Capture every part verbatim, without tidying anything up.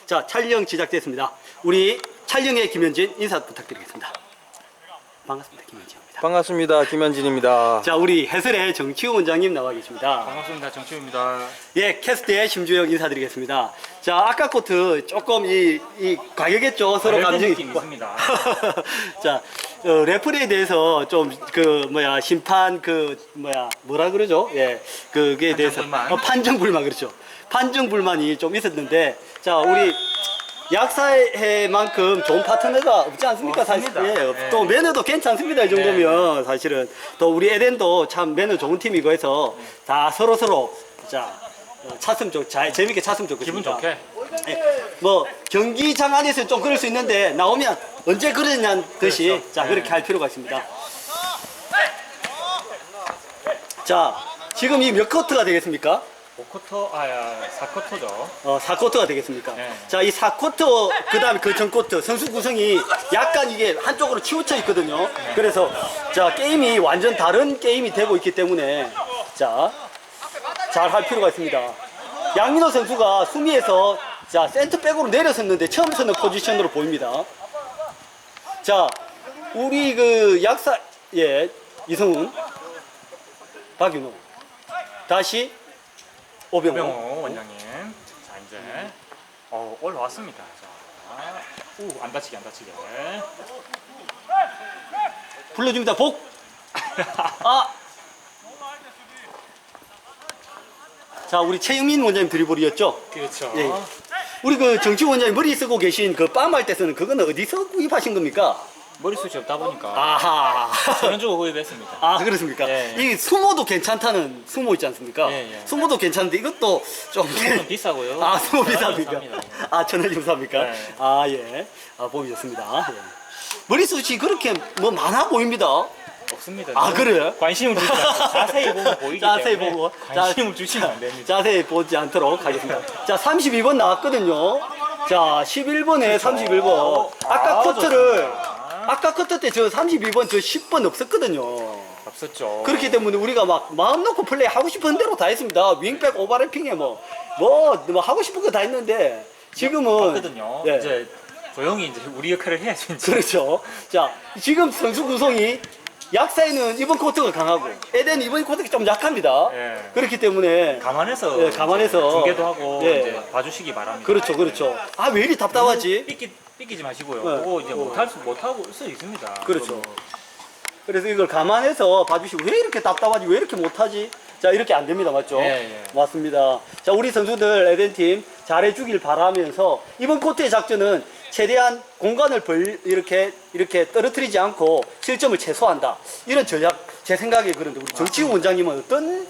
자, 촬영 시작됐습니다. 우리 촬영의 김현진 인사 부탁드리겠습니다. 반갑습니다. 김현진입니다. 반갑습니다. 김현진입니다. 자, 우리 해설의 정치우 원장님 나와 계십니다. 반갑습니다. 정치우입니다. 예, 캐스트의 심주영 인사드리겠습니다. 자, 아까 코트 조금 이, 이 과격했죠? 서로 감정이 느낌 있습니다. 자, 어, 레프리에 대해서 좀 그 뭐야 심판 그 뭐야 뭐라 그러죠? 예, 그게 대해서 불만. 어, 판정 불만 그렇죠. 판정 불만이 좀 있었는데, 자, 우리 약사회만큼 좋은 파트너가 없지 않습니까? 사실 없습니다. 예, 네. 또 매너도 괜찮습니다. 이 정도면 사실은 또 우리 에덴도 참 매너 좋은 팀이고 해서 다 서로 서로 자 어, 찼으면 좋, 잘 재밌게 찼으면 좋겠습니다. 기분 좋게. 예, 뭐 경기장 안에서 좀 그럴 수 있는데 나오면 언제 그러냐는 듯이 그렇죠. 자 네. 그렇게 할 필요가 있습니다. 자, 지금 이 몇 쿼터가 되겠습니까? 오 쿼터, 아야, 사 쿼터죠. 어, 사 쿼터가 되겠습니까? 네. 자, 이 사 쿼터, 그 다음에 그 전 쿼터, 선수 구성이 약간 이게 한쪽으로 치우쳐 있거든요. 그래서, 자, 게임이 완전 다른 게임이 되고 있기 때문에, 자, 잘 할 필요가 있습니다. 양민호 선수가 수미에서, 자, 센터백으로 내려섰는데 처음 서는 포지션으로 보입니다. 자, 우리 그 약사, 예, 이성훈, 박윤호, 다시, 오병호. 오병호 원장님. 자, 이제, 어, 올라왔습니다. 자, 우, 안 다치게, 안 다치게. 불러줍니다. 복. 아. 자, 우리 최영민 원장님 드리블이었죠. 그렇죠. 예. 우리 그 정치 원장님 머리 쓰고 계신 그 빰할 때 쓰는 그거는 어디서 구입하신 겁니까? 머리숱이 없다 보니까 아하. 천원 주고 구입했습니다. 아, 그렇습니까? 예. 이 수모도 괜찮다는 수모 있지 않습니까? 예, 예. 수모도 괜찮은데 이것도 좀. 좀 비싸고요. 아, 수모 천원 비쌉니까? 삽니다. 아, 천원 좀 삽니까? 네. 아, 예. 아, 보기 좋습니다. 예. 머리숱이 그렇게 뭐 많아 보입니다. 없습니다. 아, 너무 그래요? 관심을 주지 않고 자세히 보면 보이기 자세히 때문에 보고. 관심을 자, 주시면 안 됩니다. 자세히 보지 않도록 하겠습니다. 자, 삼십이 번 나왔거든요. 자, 십일 번에 삼십일 번. 아까 아, 쿼터를, 좋습니다. 아까 쿼터 때 저 삼십이 번, 저 십 번 없었거든요. 없었죠. 그렇기 때문에 우리가 막 마음 놓고 플레이 하고 싶은 대로 다 했습니다. 윙백 오버래핑에 뭐, 뭐, 뭐 하고 싶은 거 다 했는데, 지금은. 봤거든요. 예. 이제 조용히 이제 우리 역할을 해야죠. 이제. 그렇죠. 자, 지금 선수 구성이 약사에는 이번 쿼터가 강하고, 에덴 이번 쿼터가 좀 약합니다. 예. 그렇기 때문에. 감안해서 예, 감안해서. 중계도 하고 예. 이제 봐주시기 바랍니다. 그렇죠, 그렇죠. 아, 왜 이리 답답하지? 삐끼 삐끼지 마시고요. 네. 그거 이제 못할 수 못하고 수 있습니다. 그렇죠. 그거 뭐 그래서 이걸 감안해서 봐주시고, 왜 이렇게 답답하지? 왜 이렇게 못하지? 자, 이렇게 안 됩니다. 맞죠? 예, 예. 맞습니다. 자, 우리 선수들 에덴팀 잘해주길 바라면서, 이번 쿼터의 작전은 최대한 공간을 벌, 이렇게, 이렇게 떨어뜨리지 않고 실점을 최소화한다. 이런 전략, 제 생각에 그런데, 우리 정치우 원장님은 어떤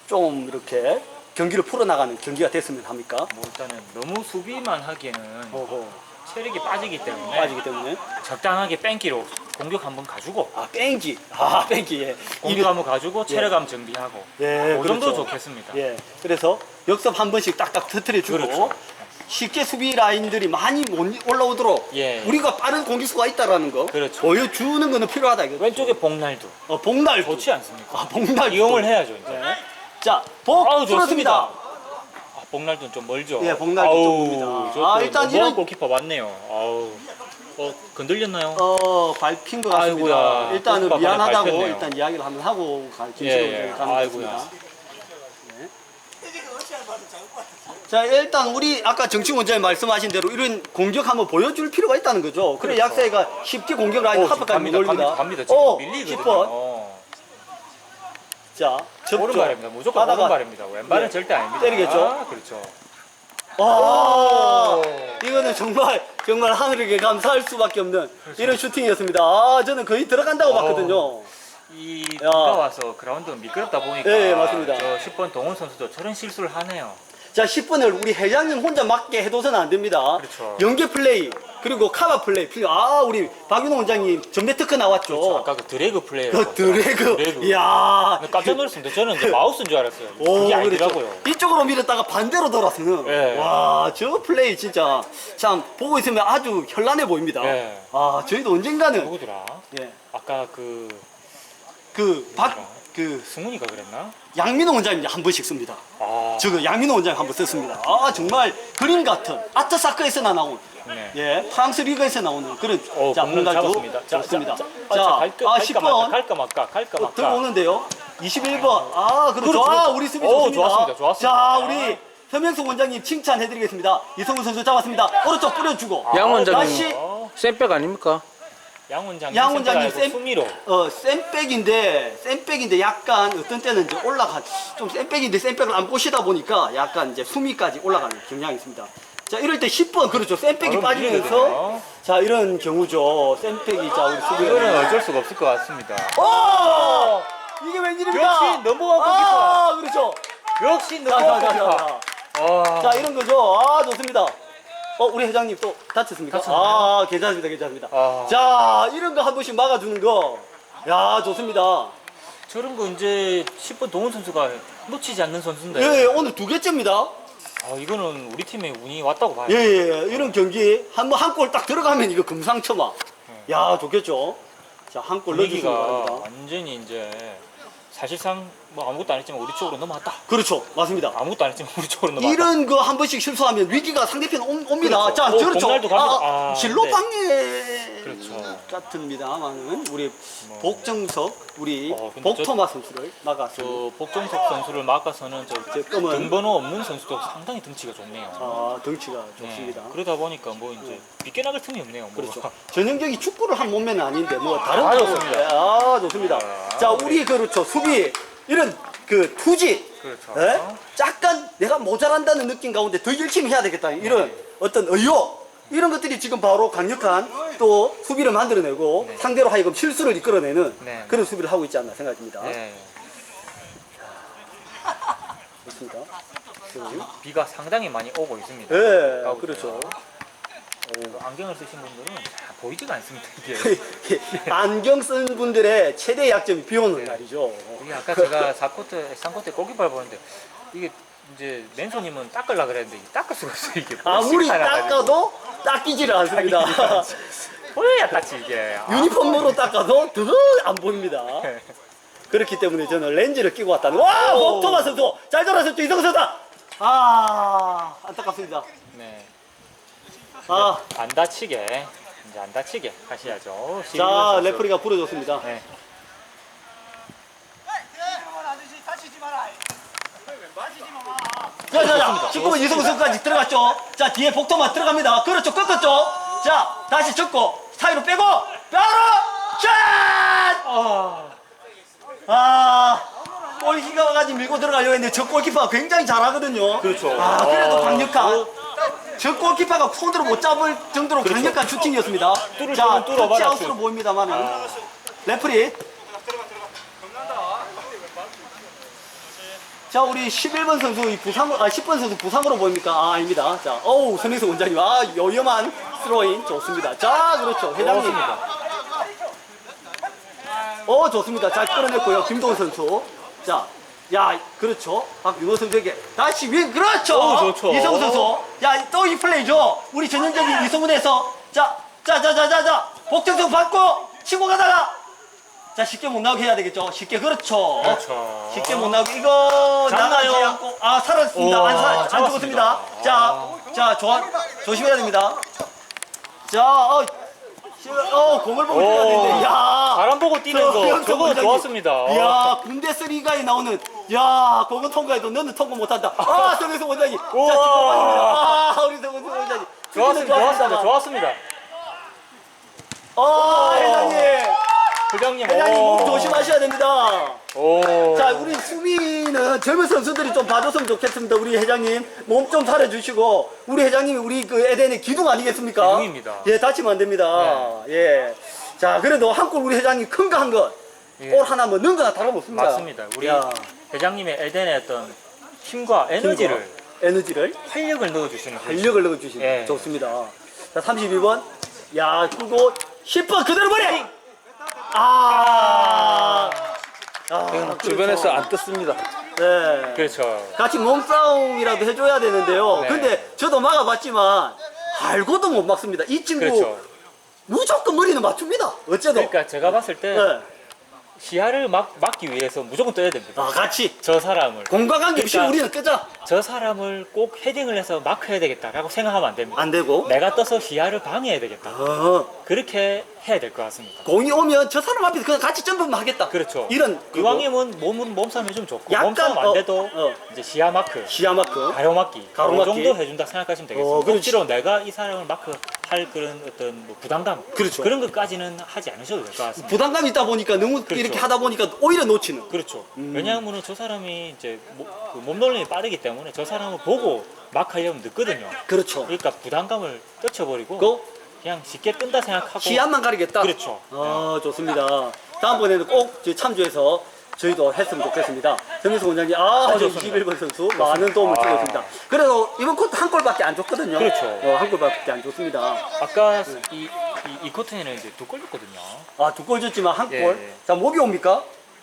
좀 이렇게 경기를 풀어나가는 경기가 됐으면 합니까? 뭐 일단은 너무 수비만 하기에는 어허. 체력이 빠지기 때문에 빠지기 때문에. 적당하게 뺑기로 공격 한번 가주고 아, 뺑기. 아, 뺑기. 예. 공격 한번 가주고 체력 한번 정비하고 예, 그 정도 그렇죠. 좋겠습니다. 예, 그래서 역습 한 번씩 딱딱 터트려주고 그렇죠. 쉽게 수비 라인들이 많이 못 올라오도록 예. 우리가 빠른 공격수가 있다라는 거 그렇죠. 보여주는 거는 필요하다 이거. 왼쪽에 복날도 어, 복날도. 좋지 않습니까? 아, 복날도. 이용을 해야죠 이제. 네. 자, 복 아우, 풀었습니다. 아, 복날도는 좀 멀죠. 예, 복날도 아우, 좀 멉니다. 저 아, 또 일단 너무한 이런- 골키퍼 맞네요. 아우, 어 건들렸나요? 어, 밟힌 것 같습니다. 아이고야. 일단은 골키퍼가 미안하다고 밟혔네요. 일단 이야기를 한번 하고 가- 예, 진실로 예. 가는 것 아이고야. 같습니다. 네. 자, 일단 우리 아까 정치 원장님 말씀하신 대로 이런 공격 한번 보여줄 필요가 있다는 거죠. 그래 그렇죠. 약사가 쉽게 공격 라인 어, 합박까지 갑니다, 올립니다. 갑니다, 갑니다. 지금 어, 밀리거든요. 십 번. 어. 자, 접촉. 오른발입니다. 무조건 하다가 오른발입니다. 왼발은 예. 절대 아닙니다. 때리겠죠? 아, 그렇죠. 와, 오. 이거는 정말 정말 하늘에게 감사할 수밖에 없는 이런 슈팅이었습니다. 아, 저는 거의 들어간다고 그렇죠. 어. 봤거든요. 이 야. 비가 와서 그라운드가 미끄럽다 보니까 예, 예, 맞습니다. 저 십 번 동훈 선수도 저런 실수를 하네요. 자, 십 분을 우리 회장님 혼자 맞게 해둬서는 안 됩니다. 그렇죠. 연계 플레이, 그리고 카바 플레이. 필요- 아, 우리 박윤호 원장님 전매 특허 나왔죠. 그렇죠. 아까 그 드래그 플레이. 그 드래그. 드래그. 이야. 깜짝 놀랐습니다. 저는 이제 마우스인 줄 알았어요. 오, 그게 그렇죠. 아니더라고요. 이쪽으로 밀었다가 반대로 돌아서는. 예. 와, 저 플레이 진짜 참 보고 있으면 아주 현란해 보입니다. 예. 아, 저희도 언젠가는 누구더라? 예. 아까 그 그 박 그 승훈이가 그랬나? 양민호 원장님 한 번씩 씁니다. 아, 저거 양민호 원장님 한 번 썼습니다. 아 정말 그림 같은 아트사크에서나 나온 네. 예 프랑스 리그에서 나오는 그런 어, 자 공을 공갈도 잡았습니다. 자, 좋습니다. 자, 자, 자, 자, 갈까, 아 갈까 십 번 말까, 갈까 말까, 갈까 어, 말까. 들어오는데요. 이십일 번. 아, 그렇죠. 그렇죠. 아, 우리 수비 오, 좋습니다. 좋았습니다. 좋았습니다. 자, 우리 서명석 원장님 칭찬해드리겠습니다. 이성훈 선수 잡았습니다. 오른쪽 뿌려주고. 양 원장님 다시 어, 쌤백 아닙니까? 양 원장님, 양 원장님 쌤 쌤- 수미로. 어, 센백인데, 센백인데 약간 어떤 때는 이제 올라가, 좀 센백인데 센백을 안 보시다 보니까 약간 이제 수미까지 올라가는 경향이 있습니다. 자, 이럴 때 십 번, 그렇죠. 센백이 바로 빠지면서, 밀리거든요. 자, 이런 경우죠. 센백이, 자, 우리 수비. 이거는 어쩔 수가 없을 것 같습니다. 오! 이게 웬일입니까? 역시 넘버원 아, 그렇죠. 역시 자, 자, 자, 자, 넘버원 자. 와. 자, 이런 거죠. 아, 좋습니다. 어, 우리 회장님 또 다쳤습니까? 다쳤나요? 아, 괜찮습니다, 괜찮습니다. 아. 자, 이런 거 한 번씩 막아주는 거. 야, 좋습니다. 저런 거 이제 십 번 동훈 선수가 놓치지 않는 선수인데. 예, 예, 오늘 두 개째입니다. 아, 이거는 우리 팀에 운이 왔다고 봐요. 예, 예, 이런 경기 한 번 한 골 딱 들어가면 이거 금상첨화. 야, 좋겠죠. 자, 한 골 넣어주시기 분위기가 바랍니다. 완전히 이제 사실상 뭐 아무것도 안 했지만 우리 쪽으로 넘어왔다. 그렇죠, 맞습니다. 아무것도 안 했지만 우리 쪽으로 넘어왔다. 이런 거 한 번씩 실수하면 위기가 상대편 온- 옵니다. 그렇죠. 자, 어, 그렇죠. 공날도 갑니다. 아, 아, 진로 네. 방해 그렇죠. 같습니다만은 우리 뭐. 복정석, 우리 어, 근데 복토마 선수를 막았습니다. 저 복정석 선수를 막아서는 저 제 검은 등번호 없는 선수도 상당히 등치가 좋네요. 아, 덩치가 네, 좋습니다. 그러다 보니까 뭐 이제 빗겨나갈 틈이 없네요. 뭐. 그렇죠. 전형적인 축구를 한 몸매는 아닌데 뭐 다른 아, 축구. 좋습니다. 아, 좋습니다. 아, 자, 우리 그렇죠. 수비 이런 그 투지. 그렇죠. 예? 약간 내가 모자란다는 느낌 가운데 더 열심히 해야 되겠다. 이런 어떤 의욕 이런 것들이 지금 바로 강력한 또 수비를 만들어내고 네. 상대로 하여금 실수를 이끌어내는 네. 그런 수비를 하고 있지 않나 생각됩니다. 네. 좋습니다. 비가 상당히 많이 오고 있습니다. 예, 가고 그렇죠. 있어요. 안경을 쓰신 분들은 잘 보이지가 않습니다. 이게. 안경 쓴 분들의 최대 약점이 비 오는 네. 날이죠. 이게 아까 제가 사 쿼터, 삼 쿼터 골키퍼를 보는데 이게 이제 맨손님은 닦으려 그랬는데 이게 닦을 수가 없어요. 이게 아무리 쉽지 않아가지고. 닦아도 닦이지를 않습니다. 보여야 닦지 이게. 아. 유니폼으로 닦아도 더 안 보입니다. 그렇기 때문에 저는 렌즈를 끼고 왔다는. 와, 오. 복토마 선수 잘 돌아섰죠, 이성훈 선수. 아, 안타깝습니다. 네. 아, 안 다치게 이제 안 다치게 하셔야죠. 자, 시민선 선수. 레프리가 불어줬습니다. 네. 자, 자, 자, 십구 번 이성훈 선수까지 들어갔죠. 자, 뒤에 복토마 들어갑니다. 그렇죠, 꺾었죠. 자, 다시 접고 사이로 빼고 바로 샷! 아, 아, 골키퍼까지 밀고 들어가려고 했는데 저 골키퍼가 굉장히 잘하거든요. 그렇죠. 아, 그래도 아, 강력한. 저 골키퍼가 손으로 못 잡을 정도로 강력한 슈팅이었습니다. 뚫을 자, 거면 뚫어봐라, 터치아웃으로 슛. 보입니다만은. 아. 레프리. 자, 우리 십일 번 선수 이 부상으로, 아, 십 번 선수 부상으로 보입니까? 아, 아닙니다. 자, 어우, 선행수 원장님. 아, 위험한 스로인 좋습니다. 자, 그렇죠. 회장님. 좋습니다. 어, 좋습니다. 잘 끌어냈고요. 김동훈 선수. 자, 야, 그렇죠. 박윤호 선수에게 다시 위, 그렇죠. 어, 좋죠. 이성훈 선수. 야, 또 이 플레이죠. 우리 전형적인 이성훈에서. 자, 자, 자, 자, 자, 자. 복정성 받고 치고 가다가. 자, 쉽게 못 나오게 해야 되겠죠. 쉽게, 그렇죠. 그렇죠. 쉽게 못 나오게. 이거 잡나요? 나가지 않고. 아, 살았습니다. 오, 안, 살, 안 잡았습니다. 죽었습니다. 자, 자, 조, 조심해야 됩니다. 자, 어, 시- 어, 공을 보고 뛰어야 되는데. 야. 바람 보고 뛰는 거 서영석 저거 원장님. 좋았습니다. 이야, 군대쓰리가에 나오는, 야, 그건 통과해도 너는 통과 못한다. 아, 성현석 원장님. 자, 우와. 지금 빠집니다. 아, 우리 성현석 원장님. 좋았습니다. 좋았습니다. 좋았습니다. 아, 회장님. 회장님. 회장님 오. 몸 조심하셔야 됩니다. 오. 자, 우리 수비는 젊은 선수들이 좀 봐줬으면 좋겠습니다. 우리 회장님 몸 좀 살려주시고, 우리 회장님이 우리 그 에덴의 기둥 아니겠습니까? 기둥입니다. 예, 다치면 안 됩니다. 예. 자, 그래도 한 골 우리 회장님 큰 거 한 것. 예. 골 하나 뭐 넣은 거나 다름없습니다. 맞습니다. 우리 야, 회장님의 에덴의 어떤 힘과 에너지를 힘과 에너지를 활력을 넣어주시는 분이죠. 활력을 넣어주시면 예. 좋습니다. 자, 삼십이 번. 야, 그리고 십 번 그대로 버려! 아. 아, 이건 그렇죠. 주변에서 안 떴습니다. 네. 그렇죠. 같이 몸싸움이라도 해줘야 되는데요. 네. 근데 저도 막아봤지만 알고도 못 막습니다. 이 친구 그렇죠. 무조건 머리는 맞춥니다. 어째도. 그러니까 제가 봤을 때 네. 시야를 막, 막기 위해서 무조건 떠야 됩니다. 아, 같이. 저 사람을. 공과관계 없이 그러니까- 우리는 끄자. 저 사람을 꼭 헤딩을 해서 마크해야 되겠다라고 생각하면 안 됩니다. 안 되고. 내가 떠서 시야를 방해해야 되겠다. 어, 그렇게 해야 될 것 같습니다. 공이 오면 저 사람 앞에서 그냥 같이 점프만 하겠다. 그렇죠. 이런 그거. 이왕이면 몸은 몸싸움이 좀 좋고 약간, 몸싸움 안 어, 돼도 어. 이제 시야 마크, 시야 마크. 가로막기, 가로막기. 그 정도 해준다 생각하시면 되겠습니다. 어, 그렇지. 억지로 내가 이 사람을 마크할 그런 어떤 뭐 부담감, 그렇죠. 런 것까지는 하지 않으셔도 될 것 같습니다. 부담감이 있다 보니까 너무 그렇죠. 이렇게 하다 보니까 오히려 놓치는. 그렇죠. 음. 왜냐하면 저 사람이 이제 모- 그 몸놀림이 빠르기 때문에 저 사람을 보고 마크하려면 늦거든요. 그렇죠. 그러니까 부담감을 떨쳐버리고 그 그냥 쉽게 뜬다 생각하고. 시야만 가리겠다. 그렇죠. 아, 좋습니다. 다음번에는 꼭 저희 참조해서 저희도 했으면 좋겠습니다. 정민수 원장님, 아, 저 좋습니다. 이십일 번 선수 많은 도움을 아. 주셨습니다. 그래도 이번 코트 한 골밖에 안 줬거든요. 그렇죠. 어, 한 골밖에 안 줬습니다. 아까 이, 이, 이 코트에는 이제 두 골 줬거든요. 아, 두 골 줬지만 한 골. 예, 예. 자, 목이 옵니까?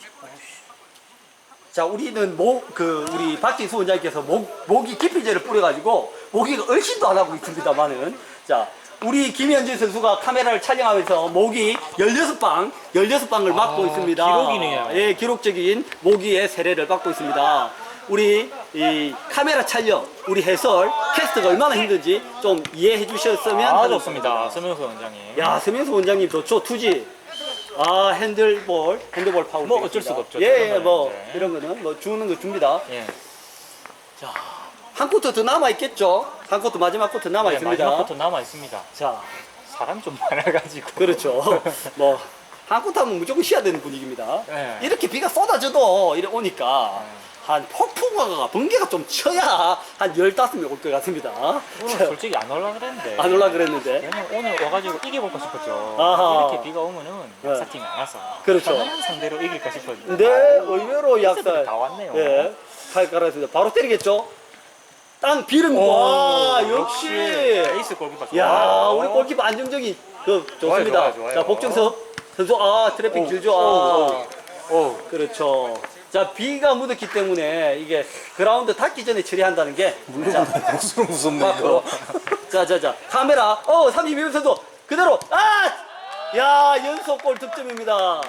자, 우리는 목, 그, 우리 박진수 원장님께서 목, 모기 기피제를 뿌려가지고 모기가 얼씬도 안 하고 있습니다만은. 자, 우리 김현진 선수가 카메라를 촬영하면서 모기 십육 방, 십육 방을 막고 아, 있습니다. 기록이네요. 예, 기록적인 모기의 세례를 받고 있습니다. 우리 이 카메라 촬영, 우리 해설, 캐스트가 얼마나 힘든지 좀 이해해 주셨으면 아, 하는 좋습니다. 서명수 원장님. 야, 서명수 원장님 좋죠. 투지. 아, 핸들볼, 핸들볼 파울. 뭐 되겠습니다. 어쩔 수가 없죠. 예, 예, 그런 뭐 거는 이제. 이런 거는 뭐 주는 거 줍니다. 예. 자, 한 코트 더 남아 있겠죠. 한 코트 마지막 코트 남아 네, 있습니다. 마지막 코트 남아 있습니다. 자, 사람 좀 많아가지고. 그렇죠. 뭐 한 코트 하면 무조건 쉬어야 되는 분위기입니다. 네. 이렇게 비가 쏟아져도 이래 오니까 한 폭풍화가 번개가 좀 쳐야 한 열다섯 명 올 것 같습니다. 오늘 자, 솔직히 안 올라 그랬는데. 안 올라 그랬는데. 왜냐면 오늘 와가지고 이겨볼까 싶었죠. 아하. 이렇게 비가 오면은 네. 약사팀이 안 와서. 그렇죠. 편안한 상대로 이길까 싶었는데. 근데 의외로 약간 다 왔네요. 예, 팔 깔았습니다. 바로 때리겠죠? 땅 비름. 오, 와, 역시. 에이스 골키퍼. 야, 좋아요. 우리 골키퍼 안정적이 그 좋습니다. 좋아요, 좋아요. 자, 복정섭 선수, 아, 트래픽 오, 길죠. 오, 아, 오. 그렇죠. 자, 비가 묻었기 때문에 이게 그라운드 닿기 전에 처리한다는 게. 자, 복수는 무섭네 이거. 자, 자, 자, 카메라. 어, 삼십이 번 선수 그대로. 아, 야, 연속골 득점입니다.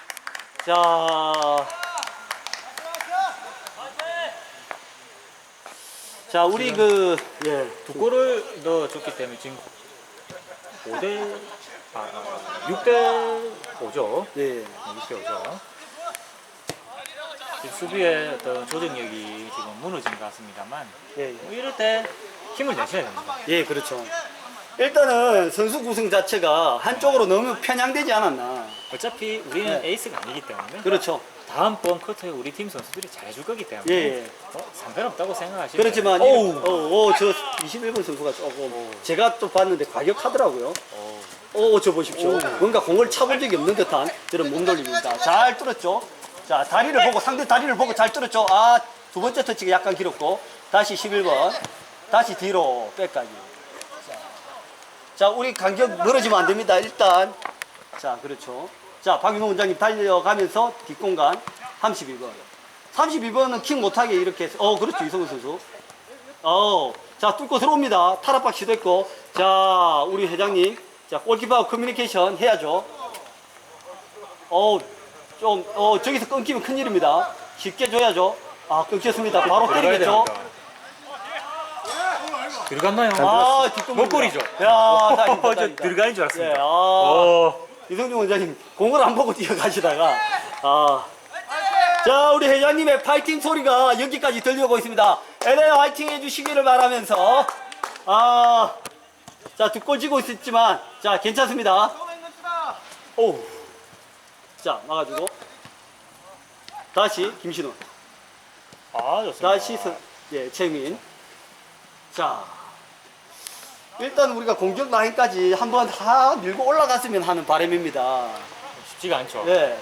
자. 자, 우리 그, 예, 두 골을 넣어줬기 때문에 지금 오 대, 아, 아, 육 대 오죠. 예. 육 대 오죠. 지금 수비의 어떤 조정력이 지금 무너진 것 같습니다만, 예, 뭐 이럴 때 힘을 내셔야 됩니다. 예, 그렇죠. 일단은 선수 구성 자체가 한쪽으로 너무 편향되지 않았나. 어차피 우리는 네. 에이스가 아니기 때문에 그렇죠. 다음번 쿼터에 우리 팀 선수들이 잘해줄 거기 때문에 예, 예. 어, 상관없다고 생각하시면 그렇지만, 돼요. 이- 어, 어, 저 이십일 번 선수가 조금, 제가 또 봤는데 과격하더라고요. 어우. 어, 저 보십시오. 뭔가 공을 차본 적이 없는 듯한 그런 몸돌림입니다. 잘 뚫었죠. 자, 다리를 보고, 상대 다리를 보고 잘 뚫었죠. 아, 두 번째 터치가 약간 길었고, 다시 십일 번, 다시 뒤로 백까지. 자, 자, 우리 간격 멀어지면 안 됩니다. 일단. 자, 그렇죠. 자, 박윤호 원장님 달려가면서 뒷공간 삼십이 번. 삼십이 번은 킥 못하게 이렇게 해서, 어, 그렇죠. 이성훈 선수. 어, 자, 뚫고 들어옵니다. 탈압박 시도했고, 자, 우리 회장님. 자, 골키퍼 커뮤니케이션 해야죠. 어, 좀, 어, 저기서 끊기면 큰일입니다. 쉽게 줘야죠. 아, 끊겼습니다. 바로 들어가야 때리겠죠. 됩니다. 들어갔나요? 아, 뒷공입니다. 목골이죠. 야, 다행이다, 저 다행이다. 들어가는 줄 예, 알았습니다. 아, 어. 이성준 원장님, 공을 안 보고 뛰어가시다가, 아. 자, 우리 회장님의 파이팅 소리가 여기까지 들려오고 있습니다. 엘에이 화이팅 해주시기를 바라면서, 아, 자, 두 골 지고 있었지만, 자, 괜찮습니다. 오. 자, 막아주고. 다시, 김신호. 아, 좋습니다. 다시, 서, 예, 최민. 자. 일단 우리가 공격 라인까지 한번 다 밀고 올라갔으면 하는 바람입니다. 쉽지가 않죠. 예. 예.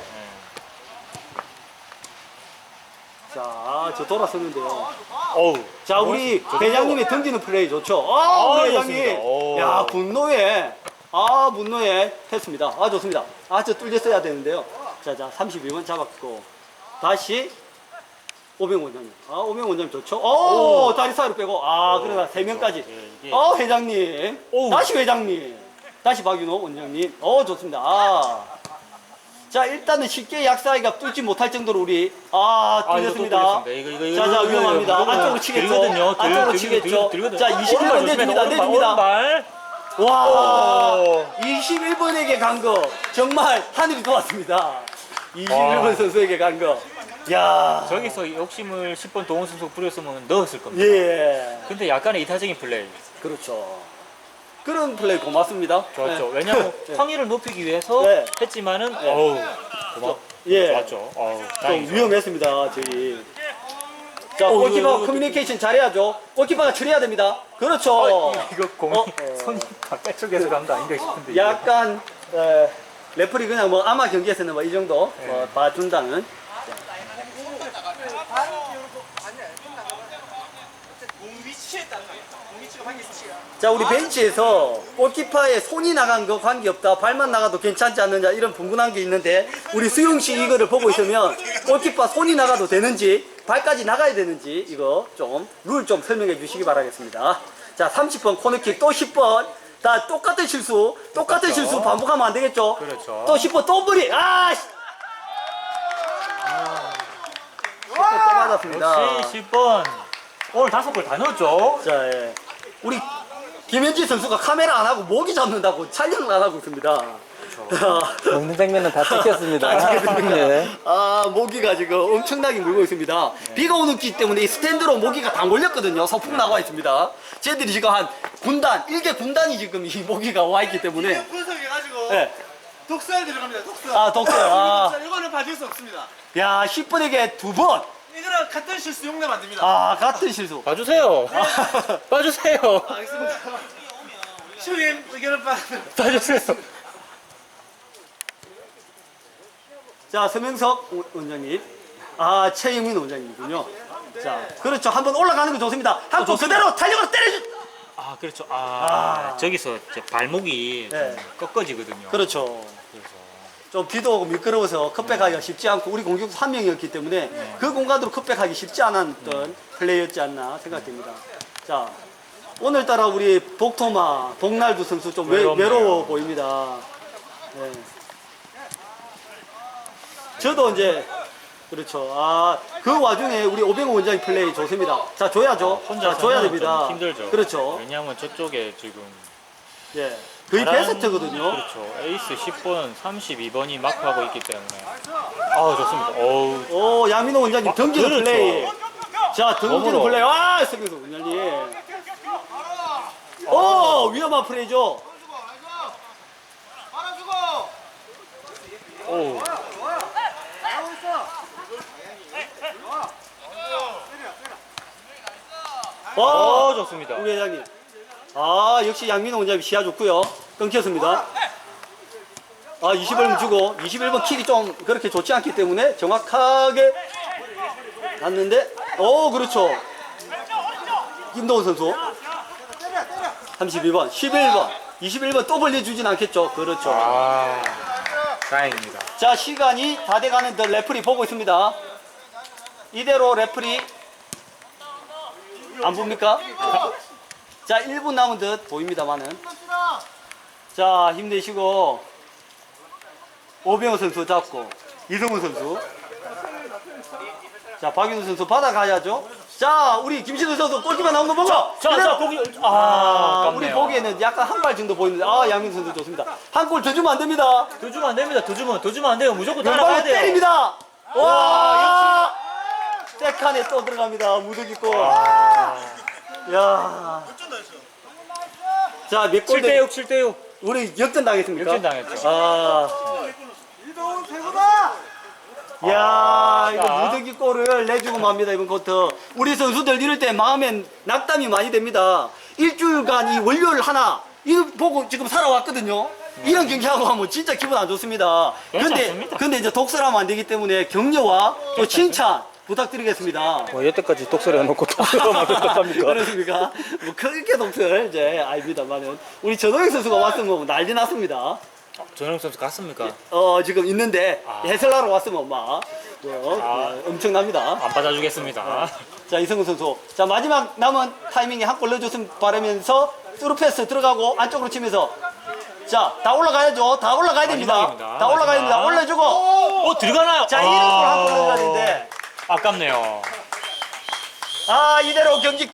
자, 저 돌아섰는데요. 어우. 자, 우리 저- 저- 회장님이 던지는 플레이 좋죠. 아, 아, 우리 좋습니다. 회장님. 오. 야, 분노에, 아, 분노에 했습니다. 아, 좋습니다. 아, 저 뚫렸어야 되는데요. 자, 자, 삼십이 번 잡았고. 다시, 오병 원장님. 아, 오병 원장님 좋죠. 오, 오. 다리 사이로 빼고. 아, 오, 그러나 세 그렇죠. 명까지. 예, 이게- 어, 회장님. 오. 다시 회장님. 다시 박윤호 원장님. 어, 좋습니다. 아. 자, 일단은 쉽게 약사이가 뚫지 못할 정도로 우리 아, 아, 이거 또 뚫렸습니다. 뚫렸습니다. 이거, 이거, 자, 자, 이거, 이거, 위험합니다. 이거, 안쪽으로 이거 치겠죠. 들거든요. 들- 안쪽으로 들- 치겠죠. 들- 들거든요. 자, 이십일 번 오른발 내줍니다. 조심해, 내줍니다. 오른발. 와, 오. 이십일 번에게 간 거 정말 하늘이 도왔습니다. 이십일 번 와. 선수에게 간 거. 야, 저기서 욕심을 십 번 동원 선수 부렸으면 넣었을 겁니다. 예, 근데 약간의 이타적인 플레이. 그렇죠. 그런 플레이 고맙습니다. 좋았죠. 네. 왜냐하면 네. 확률을 높이기 위해서 네. 했지만은 어우 고맙. 예, 좋았죠. 어우 좀 다행이죠. 위험했습니다, 저희. 자, 어, 골키퍼 이거, 이거, 커뮤니케이션 잘해야죠. 골키퍼가 처리해야 됩니다. 그렇죠. 어, 이거 공이 어. 손이 바깥쪽에서 간 거 아닌가 싶은데. 이게. 약간 에, 레프리 그냥 뭐 아마 경기에서는 뭐 이 정도 네. 뭐 봐준다는. 자, 우리 벤치에서 골키퍼의 손이 나간 거 관계없다, 발만 나가도 괜찮지 않느냐 이런 분분한 게 있는데, 우리 수용 씨 이거를 보고 있으면 골키퍼 손이 나가도 되는지 발까지 나가야 되는지 이거 좀 룰 좀 설명해 주시기 바라겠습니다. 자, 삼십 번 코너킥, 또 십 번 다 똑같은 실수, 똑같은 똑같죠. 실수 반복하면 안 되겠죠? 그렇죠. 또 십 번 또 브리, 아! 씨. 십 번 또 맞았습니다. 역시 십 번. 오늘 다섯 골 다 넣었죠. 자, 예. 우리 김현지 선수가 카메라 안 하고 모기 잡는다고 촬영을 안 하고 있습니다. 먹는 장면은 다 찍혔습니다. 다 찍혔습니다. 예. 아, 모기가 지금 엄청나게 물고 있습니다. 비가 오는 기 때문에 이 스탠드로 모기가 다 몰렸거든요. 소풍 나와 있습니다. 쟤들이 지금 한 군단, 일개 군단이 지금 이 모기가 와 있기 때문에. 분석해가지고 예. 독서에 들어갑니다. 독서. 아, 독서. 아. 자, 이거는 봐줄 수 없습니다. 야, 십 분에게 두 번. 이거는 같은 실수 용납 안 됩니다. 아, 같은 실수. 봐주세요. 봐주세요. 알겠습니다. 시우님 의견을 봐. 봐주세요. 자, 서명석 원장님. 아, 최영민 원장님이군요. 자, 그렇죠. 한번 올라가는 거 좋습니다. 한 번 그대로 탄력으로 때려주. 아 그렇죠. 아, 아. 저기서 이제 발목이 네. 좀 꺾어지거든요. 그렇죠. 그래서 좀 비도 오고 미끄러워서 컵백하기가 쉽지 않고 우리 공격수 한 명이었기 때문에 네. 그 공간으로 컵백하기 쉽지 않았던 플레이였지 않나 생각됩니다. 자, 오늘따라 우리 복토마, 복날두 선수 좀 외, 외롭네요. 외로워 보입니다. 네. 저도 이제 그렇죠. 아, 그 와중에 우리 오병호 원장님 플레이 좋습니다. 자, 줘야죠. 혼자 자, 줘야 됩니다. 힘들죠. 그렇죠. 왜냐하면 저쪽에 지금 예. 거의 잘하는- 베스트거든요. 그렇죠. 에이스 십 번, 삼십이 번이 마크하고 있기 때문에. 아 좋습니다. 어우. 오, 양민호 원장님 아, 던지는 그렇죠. 플레이. 자, 던지는 몸으로. 플레이. 아, 서명석 원장님. 오, 위험한 플레이죠. 오. 오, 어 좋습니다. 우리 회장님. 아, 역시 양민호 원장님 시야 좋고요. 끊겼습니다. 아, 이십일 번 주고 이십일 번 킥이 좀 그렇게 좋지 않기 때문에 정확하게 갔는데, 오, 그렇죠. 김도훈 선수. 삼십이 번, 십일 번, 이십일 번 또 벌려주진 않겠죠. 그렇죠. 아 다행입니다. 자, 시간이 다 돼가는 더 레프리 보고 있습니다. 이대로 레프리 안 봅니까? 자, 일 분 남은 듯 보입니다만은. 자, 힘내시고 오병호 선수 잡고 이성훈 선수. 자, 박윤수 선수 받아가야죠. 자, 우리 김신우 선수 골키퍼 나온 거 보고. 자, 그대로. 자, 보기 아, 아, 아깝네요. 우리 보기에는 약간 한 발 정도 보이는데, 아, 양민수 선수 좋습니다. 한 골 더 주면 안 됩니다. 더 주면 안 됩니다. 더 주면 더 주면 안 돼요. 무조건 따라가야 왼발로 돼요. 때립니다. 와, 세칸에 또 들어갑니다. 무더기 골. 아, 야. 자, 몇 골? 칠 대 육, 칠 대 육. 우리 역전 당했습니까? 역전 당했죠. 아, 이동훈 최고다. 야, 아, 이거 자. 무더기 골을 내주고 맙니다. 이번 쿼터. 우리 선수들 이럴 때 마음엔 낙담이 많이 됩니다. 일주일간 이 월요일 하나 이거 보고 지금 살아왔거든요. 이런 경기하고 하면 진짜 기분 안 좋습니다. 근데 괜찮습니다. 근데 이제 독설하면 안 되기 때문에 격려와 또 칭찬 부탁드리겠습니다. 뭐 여태까지 독설해 놓고 독설하면 어떡합니까? 그렇습니까? 뭐 크게 독설 이제 아닙니다만은 우리 전호영 선수가 왔으면 뭐 난리 났습니다. 전영 선수 갔습니까? 어, 지금 있는데 아. 해설하러 왔으면 막 뭐, 아. 어, 엄청납니다. 안 받아주겠습니다. 자, 이성훈 선수. 자, 마지막 남은 타이밍에 한 골 넣어줬으면 바라면서 스루 패스 들어가고 안쪽으로 치면서 자, 다 올라가야죠. 다 올라가야 됩니다. 마지막입니다. 다 올라가야 됩니다. 마지막. 올려주고. 어, 들어가나요? 자, 이대로 한번 올라가는데. 아깝네요. 아, 이대로 경기